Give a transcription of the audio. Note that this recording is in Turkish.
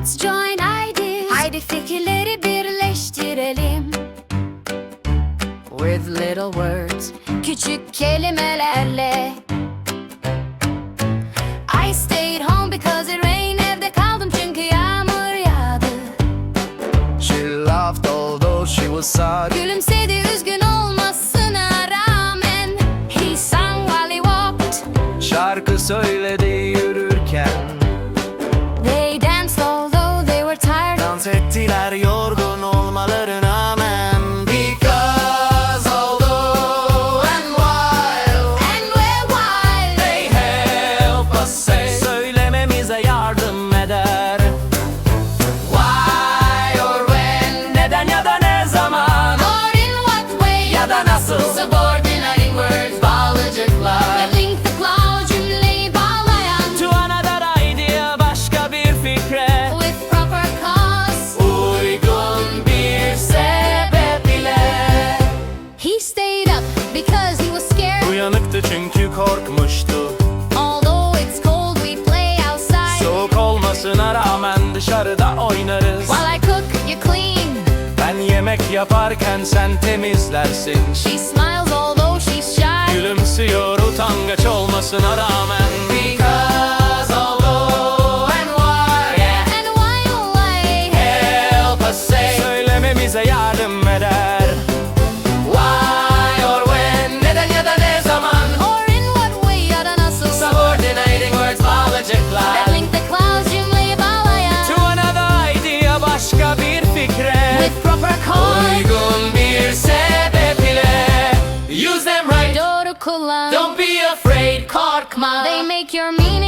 Let's join ideas. Haydi fikirleri birleştirelim. With little words, küçük kelimelerle. I stayed home because it rained. Evde kaldım çünkü yağmur yağdı. She laughed although she was sad. Gülümsedi üzgün olmasına rağmen. He sang while he walked. Şarkı söyledi yürürken. They danced although they were tired. Dans ettiler yorgun olmalarına rağmen. Because although and while And we're wild. they help us say, söylememize yardım eder. Why or when, neden ya da ne zaman, Or in what way ya da nasıl. Subordinating words, bağlıcıklar. Ve link the clause, cümleyi bağlayan. To another idea, başka bir fikre. With proper cause. Uygun bir sebep ile. He stayed up because he was scared. Uyanıktı çünkü korkmuştu. Although it's cold, we play outside. Soğuk olmasına rağmen dışarıda oynarız. While I cook, you clean. Ben yemek yaparken sen temizlersin. She smiles although she's shy. Gülümsüyor utangaç olmasına rağmen. Because although and why, yeah, And why, oh why? help us say, söylememize yardım eder. Why or when, neden ya da ne zaman. Or in what way ya da nasıl. Subordinating words, bağlıcıklar. That link the clause, cümleyi bağlayan. To another idea, başka bir fikre. With proper cause. Uygun bir sebep ile. Use them right, Doğru kullan. don't be afraid, korkma. They make your meaning